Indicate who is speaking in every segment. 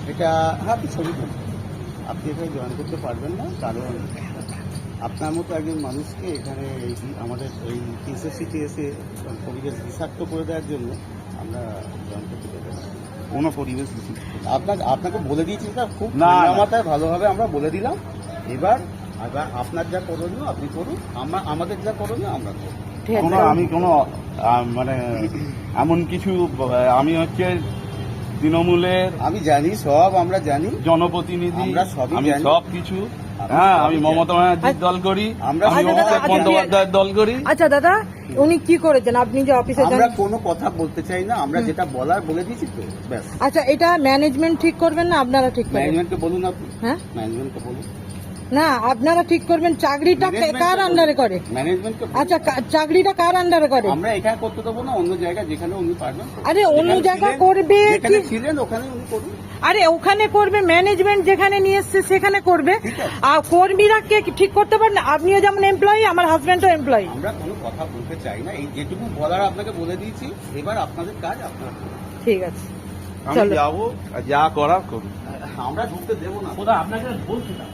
Speaker 1: এটা হাতে ছবি তুলুন। আপনি এখানে জয়েন করতে পারবেন না, কারণ আপনার মতো একজন মানুষকে এখানে আমাদের এই টিএসসিতে এসে পরিবেশ বিষাক্ত করে দেওয়ার জন্য আমরা জয়েন করতে পারবো না। কোনো পরিবেশ আপনাকে বলে দিয়েছি, এটা খুব মাথায় ভালোভাবে আমরা বলে দিলাম। এবার আপনার যা করণীয় আপনি করুন, আমাদের যা করণীয় আমরা করুন।
Speaker 2: আমি কোনো মানে এমন কিছু, আমি হচ্ছে তৃণমূলের,
Speaker 1: আমি জানি সব, আমরা জানি
Speaker 2: জনপ্রতিনিধি,
Speaker 1: আমরা সবই
Speaker 2: আমি
Speaker 1: জানি।
Speaker 2: সব কিছু। হ্যাঁ, আমি মমতা ব্যানার্জির দল করি, আমি অভিষেক বন্দ্যোপাধ্যায়ের দল করি।
Speaker 3: আচ্ছা দাদা, উনি কি করেছেন আপনি যে অফিসে
Speaker 1: আমরা কোনো কথা বলতে চাই না, আমরা যেটা বলার বলে দিয়েছি তো ব্যাস।
Speaker 3: আচ্ছা, এটা ম্যানেজমেন্ট ঠিক করবেন না আপনারা ঠিক করবেন?
Speaker 1: ম্যানেজমেন্টকে বলুন আপনি।
Speaker 3: হ্যাঁ,
Speaker 1: ম্যানেজমেন্টকে বলুন।
Speaker 3: না আপনারা ঠিক করবেন। চাকরিটা কার আন্ডারে করে?
Speaker 1: ম্যানেজমেন্টকে।
Speaker 3: আচ্ছা, চাকরিটা কার আন্ডারে করে?
Speaker 1: আমরা এখানে করতে দেবো না, অন্য জায়গায় যেখানে উনি পারবেন।
Speaker 3: আরে অন্য জায়গা করবে,
Speaker 1: যেখানে ছিলেন ওখানে উনি করুন।
Speaker 3: আরে ওখানে করবে, ম্যানেজমেন্ট যেখানে নিয়ে এসছে সেখানে করবে। আর কর্মীরা কে ঠিক করতে পারেন? আপনিও যেমন এমপ্লয়ি, আমার হাজবেন্ডও এমপ্লয়ি।
Speaker 1: আমরা কোনো কথা বলতে চাই না, এই যেটুকু বলার আপনাকে বলে দিয়েছি। এবার আপনাদের কাজ আপনারা করুন।
Speaker 3: ঠিক আছে,
Speaker 2: আমি
Speaker 3: চলো।
Speaker 2: যাবো, যা করার করুন।
Speaker 1: আমরা ঢুকতে দেবো না।
Speaker 4: আপনাকে বলছি না,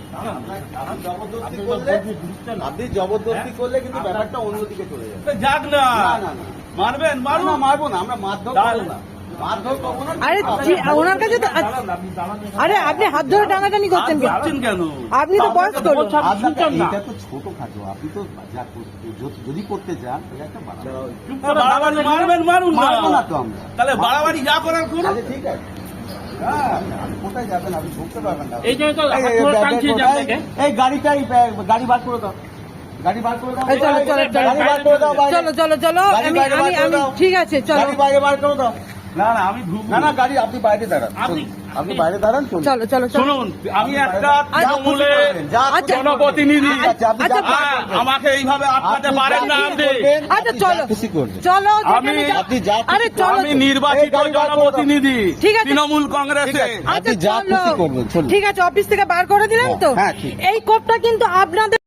Speaker 1: আপনি জবরদস্তি করলে কিন্তু ব্যাপারটা অন্যদিকে চলে যাবে।
Speaker 4: যাক না,
Speaker 1: না, না,
Speaker 4: মারবেন মারুন।
Speaker 1: না, মারবো না, আমরা মারধর করবো না। মারধর করবো না।
Speaker 3: আরে ওনার কাছে তো, আরে আপনি হাত ধরে টানাটানি করছেন কেন?
Speaker 4: যাচ্ছেন কেন?
Speaker 3: আপনি তো বয়স্ক লোক।
Speaker 1: এটা তো ছোটখাটো, আপনি তো যা যদি করতে চান এটা একটা বাড়াবাড়ি।
Speaker 4: চুপ করে বাড়াবাড়ি মারবেন, মারুন না।
Speaker 1: মারবো না তো আমরা।
Speaker 4: তাহলে বাড়াবাড়ি যা করার করুন।
Speaker 1: আচ্ছা, ঠিক আছে। হ্যাঁ, আপনি কোথায় যাবেন? আপনি ঢুকতে পারবেন না।
Speaker 4: এই যে তো হাত ধরে টানছি যে আপনাকে।
Speaker 1: এই গাড়ি বার করে দাও। গাড়ি বার করে দাও।
Speaker 3: এই চলো, চলো, চলো।
Speaker 1: গাড়ি বার করে দাও বাইরে।
Speaker 3: চলো চলো চলো,
Speaker 1: গাড়ি
Speaker 3: আমি
Speaker 1: বাইরে বার করে
Speaker 3: আমি
Speaker 1: দাও।
Speaker 3: ঠিক আছে, চলো
Speaker 1: গাড়ি বাইরে বার করে দাও।
Speaker 4: না না, আমি ঢুকবো
Speaker 1: না, গাড়ি আপনি বাইরে দাঁড়ান। আপনি বাইরে দাঁড়ান, চলুন।
Speaker 3: চলো চলো চলো।
Speaker 4: শুনুন, আমি একটা তৃণমূলের
Speaker 3: আচ্ছা,
Speaker 4: জনপ্রতিনিধি।
Speaker 1: আচ্ছা, আপনি যা
Speaker 3: আচ্ছা,
Speaker 4: আমাকে এইভাবে আটকাতে পারেন না আপনি।
Speaker 3: আচ্ছা চলো
Speaker 1: খুশি করবেন।
Speaker 3: চলো,
Speaker 4: আমি-
Speaker 3: যেখানে যা-
Speaker 1: আপনি যা খুশি
Speaker 3: আরে চলো,
Speaker 4: আমি নির্বাচিত
Speaker 1: এই গাড়ি বার করে দাও।
Speaker 4: জনপ্রতিনিধি
Speaker 3: ঠিক আছে।
Speaker 4: তৃণমূল কংগ্রেসে।
Speaker 1: আপনি
Speaker 3: আচ্ছা
Speaker 1: যা
Speaker 3: চলো।
Speaker 1: খুশি করবেন, চলুন।
Speaker 3: ঠিক আছে, অফিস থেকে বার করে দিলেন তো।
Speaker 1: হ্যাঁ, ঠিক।
Speaker 3: এই কোপটা কিন্তু আপনাদের